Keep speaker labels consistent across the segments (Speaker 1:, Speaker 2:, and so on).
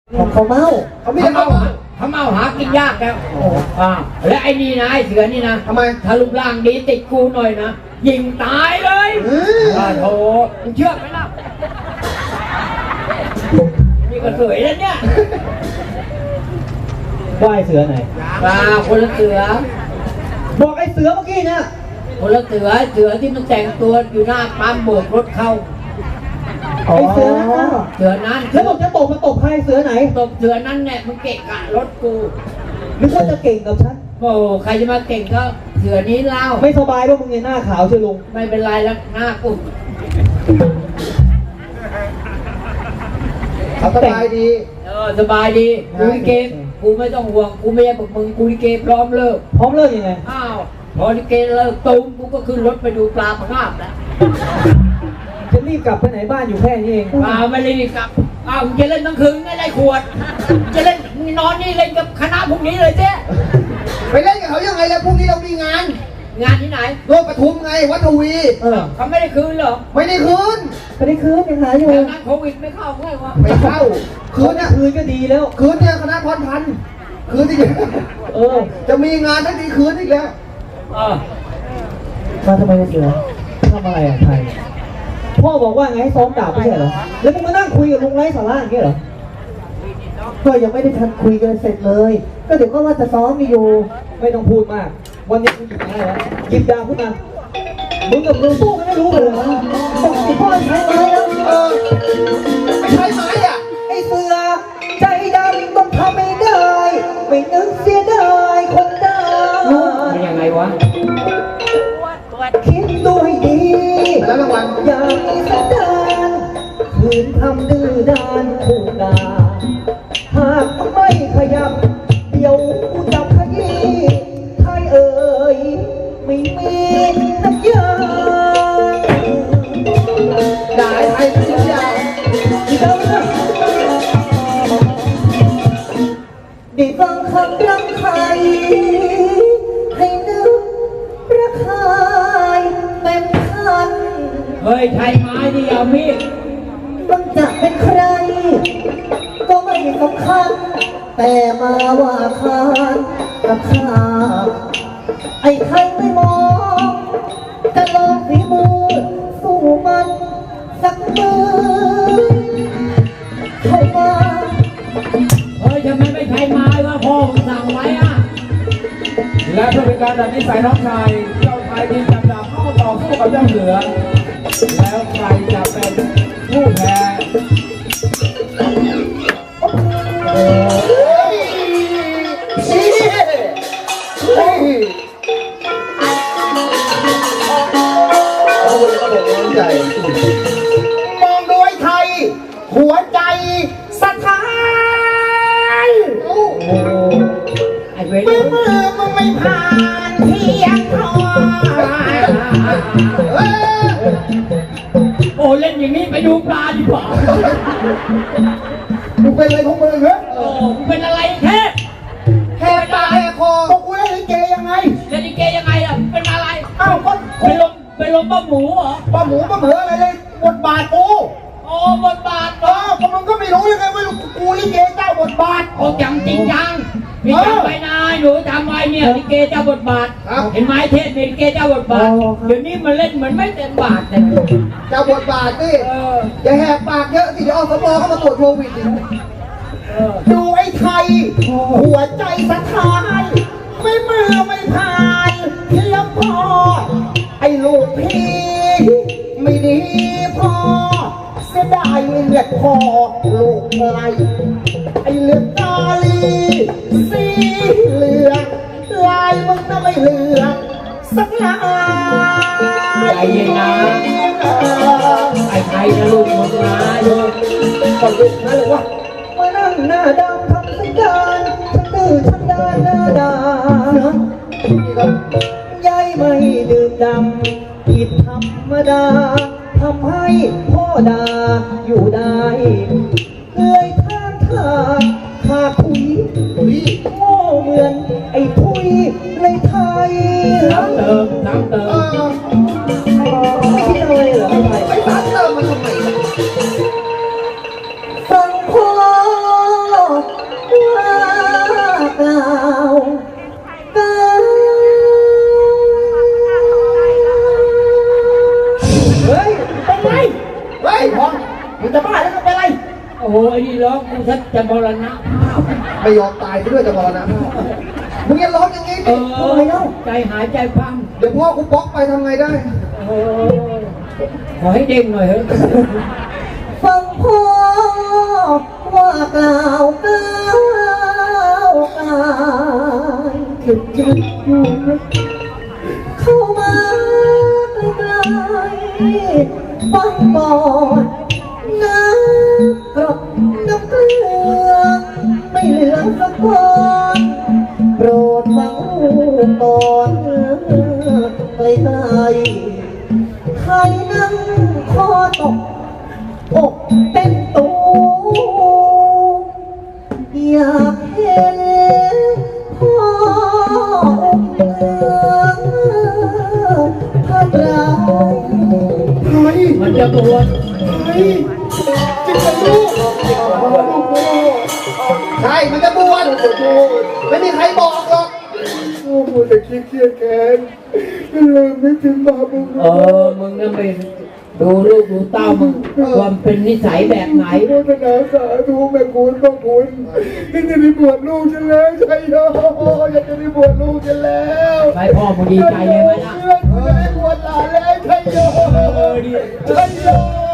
Speaker 1: ของเขาเมา
Speaker 2: เขาไม่ได้เขา
Speaker 3: เขาเมาหากินยากแล้วและไอ้นี่นะไอ้เสือนี่นะ
Speaker 2: ทำไม
Speaker 3: ถ้ารูปร่างดีติดกูหน่อยนะยิงตายเลยโธ่มึงเชื่อไหมล่ะนี่ก็สวยแล้วเนี่ย
Speaker 1: ว่าไอ้เสือไหน
Speaker 3: คนละเสือ
Speaker 1: บอกไอ้เสือเมื่อกี้เนี่ย
Speaker 3: คนละเสือที่มันแต่งตัวอยู่หน้าปั๊มโบกรถเข้า
Speaker 1: ไอ้เสือนั้น
Speaker 3: เสือนั้น
Speaker 1: แล้วบอกจะตบมาตบใครเสือไหน
Speaker 3: ตบเสือนั้นเนี่ยมึงเกะกะรถกู
Speaker 1: นึกว่าจะเก่งกับฉัน
Speaker 3: โอ้ใครจะมาเก่งก็เสือนี้เล่า
Speaker 1: ไม่สบายเพราะมึงเนี่ยหน้าขาวเชียวลุง
Speaker 3: ไม่เป็นไรแล้วหน้ากู
Speaker 2: เขาสบายดี
Speaker 3: สบายดีกูลิเกกูไม่ต้องห่วงกูไม่ใช่พวกมึงกูลิเกพร้อมเลิก
Speaker 1: ยังไง
Speaker 3: อ้าวพอลิเกเลิกตุ้มกูก็ขึ้นรถไปดูปลาพงาบแล้ว
Speaker 1: จะรีบกลับไปไหนบ้านอยู่แค่นี้เอง
Speaker 3: ไม่รีบกลับมึงจะเล่นทั้งคืนไม่ได้ขวดจะเล่นมึงนอนนี่เล่นกับคณะพวกนี้เลยเจ๊
Speaker 2: ไปเล่นกับเขายังไงแล้วพรุ่งนี้เรามีงาน
Speaker 3: ที่ไหน
Speaker 2: โลกปทุมไงวัดทวี
Speaker 3: เขาไม่ได้คืนเหรอ
Speaker 2: ไม่ได้คืน
Speaker 1: ยังหาอยู่
Speaker 3: แต่นั้นโควิดไม่เข้าไงวะ
Speaker 2: ไม่เข้าคืนเนี่ย
Speaker 1: คืนก็ดีแล้ว
Speaker 2: คืนเนี่ยคณะพรพันธ์คืนที่จะมีงานทั้งทีคืนอีกแล้ว
Speaker 1: มาทำไมเสือทำอะไรไทยพ่อบอกว่าไงให้ซ้อมดาบไม่ใช่เหรอแล้วมึงมานั่งคุยกับลุงไร้สาระอย่างเงี้ยเหรอก็ยังไม่ได้ทันคุยกันเสร็จเลยก็เดี๋ยวก็ว่าจะซ้อมอยู่ไม่ต้องพูดมากวันนี้มึงหยิบได้แล้วหยิบดาบขึ้นมามึงกับลุงสู้กันไม่รู้กันเลยบอกสิพ่อใช้ไม้แล้ว
Speaker 2: ไม่ใช่ไม้อ่ะ
Speaker 1: ไอ้เสือใจดำต้องทำไม่ได้ไม่นึกเสียดายคนดำ
Speaker 3: มันยังไงวะ
Speaker 1: คิดดูให้ดี
Speaker 2: แล้วรางวัล
Speaker 1: อย่ามีสันดานคืนทำดื้อด้านคู่ดาหากไม่ขยับเดี๋ยวกูจับขยี้ไทยเอ่ยไม่มีน้ำยา
Speaker 2: ได้ไทยทุกอย่าง
Speaker 1: ได้ฟังคำรำไทยให้นึกประคายเต็มคัน
Speaker 3: เฮ้ยไทยไม้ดิเอามีด
Speaker 1: มันจะเป็นใครก็ไม่สำคัญแต่มาว่าคานกับข้าไอ้ไทยไม่มองจะลองฝีมือสู้มันสักมือเข้ามา
Speaker 3: เฮ้ยทำไมไม่ไทยไม้วะพ่อมึงสั่งไว้อะ
Speaker 4: และเพื่อเป็นการดัดนิสัยน้องชายเจ้าชายทีมจับดาบเข้าต่อสู้กับเจ้าเสือแล้วใครจะเป็นผู้แพ้
Speaker 2: มองโดยไทยหัวใจสะท้าน
Speaker 3: ไอ้เว้ย
Speaker 2: มือมึงไม่ผ่านเพียงทอ
Speaker 3: โอ้เล่นอย่างนี้ไปดูปลาดีกว่า
Speaker 2: มึงเป็นอะไรของมึงเหรอ
Speaker 3: มึงเป็นอะไรแค่
Speaker 2: ปากแค่คอพวกกูเล่นลิเกยังไง
Speaker 3: เล่นลิเกยังไงล่ะเป็นอะไร
Speaker 2: อ้าวก็
Speaker 3: เป็นลมป้าหมูเหรอ
Speaker 2: ป้าหมูป้าเหมืออะไรเลยบทบาทกู
Speaker 3: บทบาท
Speaker 2: ก็มึงก็ไม่รู้ยังไงว่ากูลิเกเจ้าบทบาท
Speaker 3: จำจริงจังพี่จำไว้นะหนูจำไว้เนี่ยลิเกเจ้าบทบาทเห็นไหมเทศลิเกเจ้าบทบาทเดี๋ยวนี้มันเล่นเหมือนไม่เต็มบาทเลย
Speaker 2: เจ้าบทบาทนี่อย่าแหกปากเยอะสิเดี๋ยวอสม.เข้ามาตรวจโควิดดูไอ้ไทยหัวใจสะท้านไม่มือไม่ผ่านเพียงพอไอ้ลูกพี่ไม่ดีพอเสียดายเลือดพอลูกไรไอ้เลือดตาลีสีเหลืองลายมึงน่ะไม่เหลืองสักลาย
Speaker 3: ใจเย็นนะไอ้ไทยนะลูกมึงนะลูก
Speaker 2: ก่อนลูกนะเลยวะ
Speaker 1: มานั่งหน้าดำทำสัญญาณฉันดื้อฉันด้านหน้าด่ายายไม่ดื่มดำผิดธรรมดาทำให้พ่อด่าอยู่ได้เลยท่านขาคุยโง่เหมือนไอ้ทุยในไทย
Speaker 3: น้ำเติม
Speaker 1: ไม่คิดอะไรเหรอไทย
Speaker 2: ไอ้น้ำเติมมันทำไม
Speaker 1: สังคม
Speaker 3: ไอ้นี่ร้องกูชักจะมรณะภาพ
Speaker 2: ไม่ยอมตายไปด้วยจะมรณะมึงอย่าร้องอย่างนี้
Speaker 3: เอ
Speaker 2: ดิ
Speaker 3: อใจหายใจพัง
Speaker 2: เดี๋ยวพ่อกูบล็อกไปทำไงได้
Speaker 3: เออขอให้เด้งหน่อยเฮ้ย
Speaker 1: ฟังพ่อว่ากล่าวก้าวกายถึงจะอยู่เข้ามาใกล้ๆฟังก่อนน้ำกรดน้ำเกลือไม่เหลือสักคนโปรดฟังก่อนใกล้ๆใครนั่งคอตกอกเต้นตูอยากเห็นพ่อองค์เหลืองพระเรา
Speaker 2: เฮ้ย
Speaker 3: มันจะบวช
Speaker 2: เฮ้ยจริงเหรอลูกใช่ มันจะบวชไม่มีใครบอกหรอก
Speaker 5: โอ้โหแต่คิดเครียดแค้นลืมไม่ถึงบาปบุญ
Speaker 3: มึงนั่นไปดูลูกดูเต้ามึงความเป็นนิสัยแบบไหน
Speaker 5: โมทนาสาธุแม่คุณพ่อคุณนี่จะได้บวชลูกฉันแล้วใช่โยอยากจะได้บวชลูกฉันแล้ว
Speaker 3: ไปพ่อมึงดีใจเลยไหมล่ะ
Speaker 5: จะได้บวชหลานแล้วใช่โยใช่โย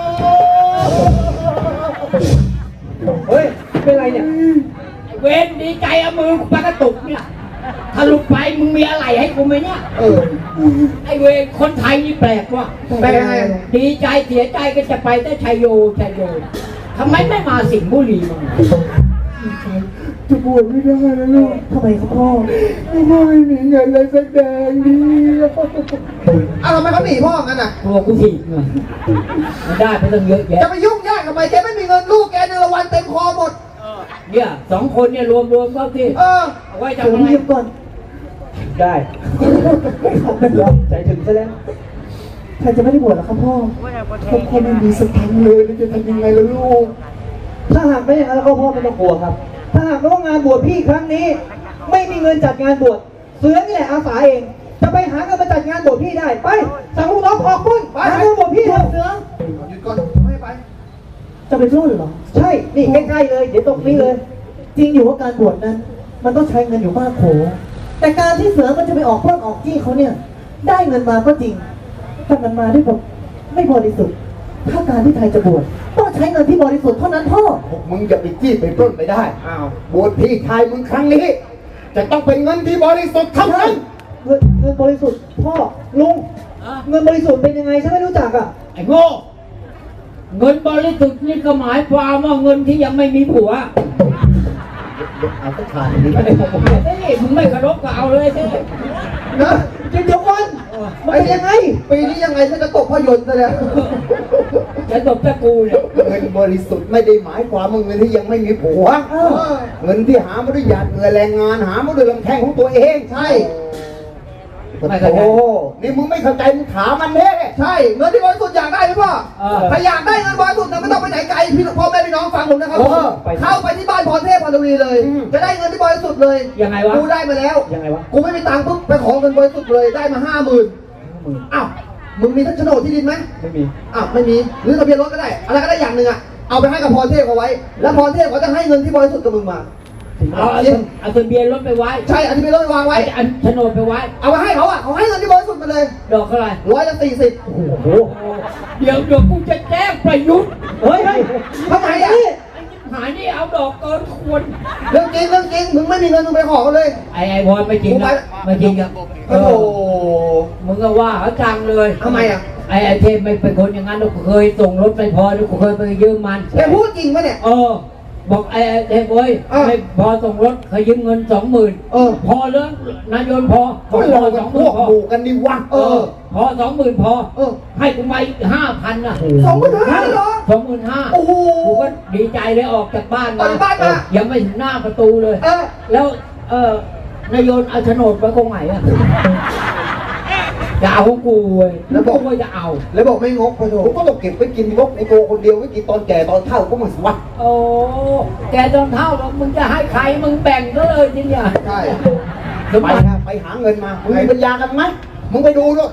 Speaker 1: เฮ้ย เป็นไรเนี่ย
Speaker 3: เวนดีใจเอามือกูปากกระตุกเนี่ยถ้าหลุดไปมึงมีอะไรให้กูไหมเนี่ย ไอเวรคนไทยนี่แปลกว่ะ
Speaker 2: แปลกไง
Speaker 3: ดีใจเสียใจก็จะไปแต่ชัยโยชัยโยทำไมไม่มาสิงห์บุรีมึง
Speaker 5: จะบวชไม่ได้แล้วลูก
Speaker 1: ทำไมครับพ่อ
Speaker 5: พ่อไม่มีเงินเลยสักแดงเดียว
Speaker 2: อ้าวทำไมเขาหนีพ่องั้นน่ะ
Speaker 3: ตัวกูถีบเงยมันได้ไปตั้งเยอะแยะ
Speaker 2: จะไปยุ่งยากทำไมแกไม่มีเงินลูกแกในละวันเต็มคอหมด
Speaker 3: เนี่ยสองคนเนี่ยรวมเข้าที่
Speaker 2: เออ
Speaker 3: เอาไว้
Speaker 1: เดี๋ยว
Speaker 3: ทำอะไร
Speaker 1: เรียบก่อน ได้ใจถึงซะแล้วใครจะไม่ได้บวชหรอครับพ่อ
Speaker 5: ผมก็ไม่มีสตังค์เลยจะทำยังไงล่ะลูก
Speaker 1: ถ้าหากไม่อย่างนั้นแล้วก็พ่อไม่ต้องกลัวครับ ถ้าหากว่างานบวชพี่ครั้งนี้ ไม่มีเงินจัดงานบวชเสือนี่แหละอาสาเอง จะไปหาเงินมาจัดงานบวชพี่ได้ ไปสั่งลูกน้องออกปุ้นหาเงินบวชพี่เถอะเสือ
Speaker 2: หยุดก่อนไม่ไป
Speaker 1: จะเป็นรุ่นเหรอ ใช่ นี่ใกล้ๆเลย เดี๋ยวตรงนี้เลย จริงอยู่ว่าการบวชนั้น มันต้องใช้เงินอยู่มากโข แต่การที่เสือมันจะไปออกปล้นออกจี้เขาเนี่ย ได้เงินมาก็จริงแต่มันมาด้วยแบบไม่บริสุทธิ์ ถ้าการที่ไทยจะบวชต้องใช้เงินที่บริสุทธิ์เท่านั้นพ่อ
Speaker 5: มึงอย่าไปจี้ไปปล้นไปได้
Speaker 2: อ้าว
Speaker 5: บวชพี่ชายมึงครั้งนี้ จะต้องเป็นเงินที่บริสุทธิ์เท่านั้น
Speaker 1: เงินบริสุทธิ์พ่อลุง
Speaker 3: อ่ะ
Speaker 1: เงินบริสุทธิ์เป็นยังไงฉันไม่รู้จักอ่ะ
Speaker 3: ไอ้โง่เงินบริสุทธิ์นี่ก็หมายความว่าเงินที่ยังไม่มีผัว
Speaker 5: เอาสักขาดนี้
Speaker 3: เฮ้ยมึงไม่เคารพก็เอาเลยสิ
Speaker 2: นะ
Speaker 1: เดี๋ยวก่อนมันเป็นยังไง
Speaker 2: ปีนี้ยังไงฉันจะตกภาพยนตร์ซะแล้ว
Speaker 3: จะตบตะกูเนี่ย
Speaker 5: เงินบริสุทธิ์ไม่ได้หมายความว่าเงินที่ยังไม่มีผัว
Speaker 1: เออ
Speaker 5: เงินที่หามาด้วยหยาดเหงื่อแรงงานหามาด้วยลำแข้งของตัวเอง
Speaker 2: ใช่
Speaker 3: ไม่เข้าใจ
Speaker 5: โอ้นี่มึงไม่เข้าใจมึงถามมันเน่
Speaker 2: ใช่ เงินที่บริสุทธิ์อยากได้หรือเปล่า ถ้าอยากได้เงินบริสุทธิ์นะไม่ต้องไปไหนไกลพี่พ่อแม่พี่น้องฟังผมนะครับผมเข้าไปที่บ้านพรเทพพรทวีเลย จะได้เงินที่บริสุทธิ์เลย
Speaker 3: ยังไงวะ
Speaker 2: กูได้มาแล้ว
Speaker 1: ยังไงวะ
Speaker 2: กูไม่มีตังค์ปุ๊บไปขอเงินบริสุทธิ์เลยได้มา50,000อ้าวมึงมีโฉนดที่ดินไหม
Speaker 1: ไม่มี
Speaker 2: อ้าวไม่มีหรือทะเบียนรถก็ได้อะไรก็ได้อย่างหนึ่งอ่ะเอาไปให้กับพรเทพเอาไว้ แล้วพรเทพเขาจะให้เงินที่บริสุทธิ์กับมึงมา
Speaker 3: เอาทะเบียนรถไปไว้
Speaker 2: ใช่เอาทะเบียนรถไปวางไว้
Speaker 3: อันโฉนดไปไว้
Speaker 2: เอาไปให้เขาอ่ะเขาให้เงินที่บริสุทธิ์มาเลย
Speaker 3: ดอกเท่าไหร่
Speaker 2: 140
Speaker 1: โอ้โห
Speaker 3: เดี๋ยวกูจะแจ้งประยุทธ์
Speaker 1: เฮ้ยเฮ้ย
Speaker 2: ทำไมอ่ะ
Speaker 3: หานี่เอาดอกเกินควร
Speaker 2: เรื่องจริงมึงไม่มีเงินมึงไปขอเขาเลย
Speaker 3: ไอ้บอลไม่จริงนะไม่จริงครับ
Speaker 2: โอ้โห
Speaker 3: มึงก็ว่าเขาจังเลย
Speaker 2: ทำไมอ่ะ
Speaker 3: ไอ้เทพไม่เป็นคนอย่างนั้นกูเคยส่งรถไม่พอกูเคยไปยืมมัน
Speaker 2: แกพูดจริงปะเนี่ย
Speaker 3: บอกไอ้เทพเว้ยไม่พอส่งรถเคยยืมเงิน20,000พอเรื่องนายนพอ
Speaker 5: พวกเราเป็นพวกหมู่กันดีวะ
Speaker 3: พอ20,000พอ
Speaker 2: เออ
Speaker 3: ให้กูมาอีก5,000นะ
Speaker 2: 25,000เหรอ
Speaker 3: 25,000
Speaker 2: โอ้โห
Speaker 3: กูก็ดีใจเลยออกจากบ้าน
Speaker 2: ออกจากบ้านมา
Speaker 3: ยังไม่ถึงหน้าประตูเลย แล้วนายโยนเอาโฉนดไว้ตรงไหนอะจะเอาของกูเว้ยแล้วบอกว่าจะเอา
Speaker 2: แล้วบอกไม่งกพอโถ
Speaker 5: ผมก็ต้องเก็บไว้กินงกในตัวคนเดียวไว้กินตอนแก่ตอนเฒ่าก็มันสวัสดิ์
Speaker 3: โอ้แกจนเท่าแล้วมึงจะให้ใครมึงแบ่งก็เลยจริงเนี่ย
Speaker 2: ใช่
Speaker 3: สม
Speaker 5: ไป
Speaker 3: บัติ
Speaker 5: นะไปหาเงินมามึงมีปัญญากันไหมมึงไปดูด้วย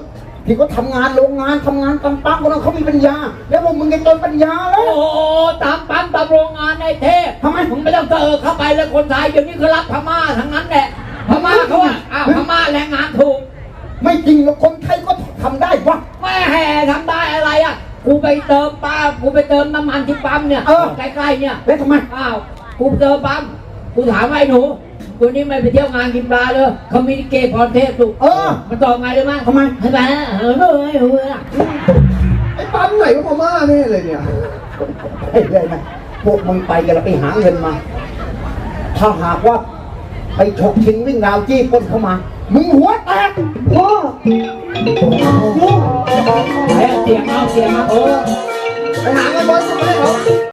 Speaker 2: ที่เขาทำงานโรงงานทำงานปั๊มๆคนนั้นเขามีปัญญา แล้วพวกมึงจะจนปัญญาแล้
Speaker 3: โอ้
Speaker 2: ว
Speaker 3: โหตามปั๊มตามโรงงานในเทพ
Speaker 2: ทำไม
Speaker 3: มึงไม่ต้องเข้าไปเลยคนไทยเดี๋ยวนี้เขารับพม่าทั้งนั้นแหละพม่าเขาว่าอ้าวพม่าแรงงานถูก
Speaker 2: ไม่จริงหรอกคนไทยก็ทำได้วะ
Speaker 3: ไม่แห่ทำได้อะไรอ่ะกูไปเติมน้ำมันที่ปั๊มเนี่ยใกล้ๆเนี่ย
Speaker 2: แล้วทำไม
Speaker 3: อ้าวกูเจอปั๊มกูถามว่าไอ้หนูตัวนี้ไม่ไปเที่ยวงานกินปลาเลยเขามีลิเกพรเทพถูกมันตอบไงรู้ไหม
Speaker 2: ทำไม
Speaker 3: ทำไมเออ
Speaker 5: ไอ้ปั๊มไหนก็พม่าแน่เลยเนี่ย
Speaker 2: ไอ้เลยนะพวกมึงไปกันแล้วไปหาเงินมา ถ้าหากว่าไปฉกชิงวิ่งราวจี้ปล้นเข้ามา มึงหัวแตก
Speaker 1: พ่อ
Speaker 3: เสียงเอา
Speaker 5: ไปหาเงินบอลมาให้เขา